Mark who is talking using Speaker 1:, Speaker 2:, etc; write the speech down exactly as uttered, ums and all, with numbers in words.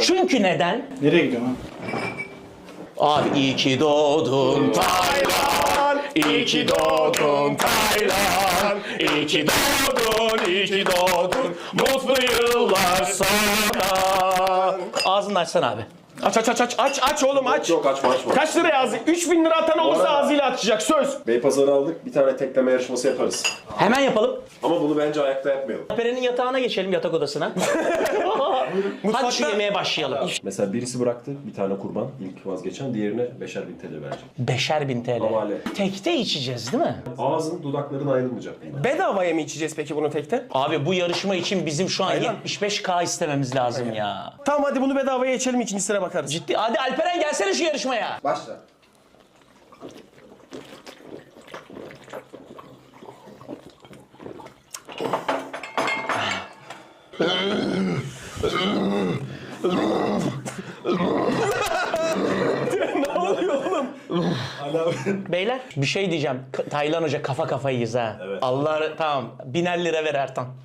Speaker 1: Çünkü neden?
Speaker 2: Nereye gidiyorsun lan?
Speaker 1: Abi iyi ki doğdun Taylan, iyi ki doğdun Taylan, iyi ki doğdun, iyi ki doğdun, mutlu yıllar sana. Ağzını açsana abi.
Speaker 3: Aç aç aç aç aç aç oğlum aç.
Speaker 4: Yok açma açma.
Speaker 3: Kaç liraya ağzı? üç bin lira atan olursa ağzıyla açacak söz.
Speaker 4: Beypazarı aldık. Bir tane tekleme yarışması yaparız.
Speaker 1: Hemen yapalım.
Speaker 4: Ama bunu bence ayakta yapmayalım.
Speaker 1: Alperen'in yatağına geçelim, yatak odasına. Hadi şu yemeğe başlayalım.
Speaker 4: Mesela birisi bıraktı bir tane kurban ilk vazgeçen. Diğerine beşer bin T L verecek.
Speaker 1: Beşer bin T L.
Speaker 4: Havale.
Speaker 1: Tekte içeceğiz değil mi?
Speaker 4: Ağzın dudakların ayrılmayacak bundan.
Speaker 3: Bedavaya mı içeceğiz peki bunu tekte?
Speaker 1: Abi bu yarışma için bizim şu an
Speaker 3: Aynen.
Speaker 1: yetmiş beş K istememiz lazım ya.
Speaker 3: Tamam hadi bunu bedavaya içelim, ikincisine bakarız.
Speaker 1: Ciddi. Hadi Alperen gelsene şu yarışmaya.
Speaker 4: Başla.
Speaker 3: Ne oluyor oğlum?
Speaker 1: Beyler bir şey diyeceğim. K- Taylan Hoca kafa kafayıyız ha.
Speaker 4: Evet.
Speaker 1: Allah tamam. Biner lira ver Ertan.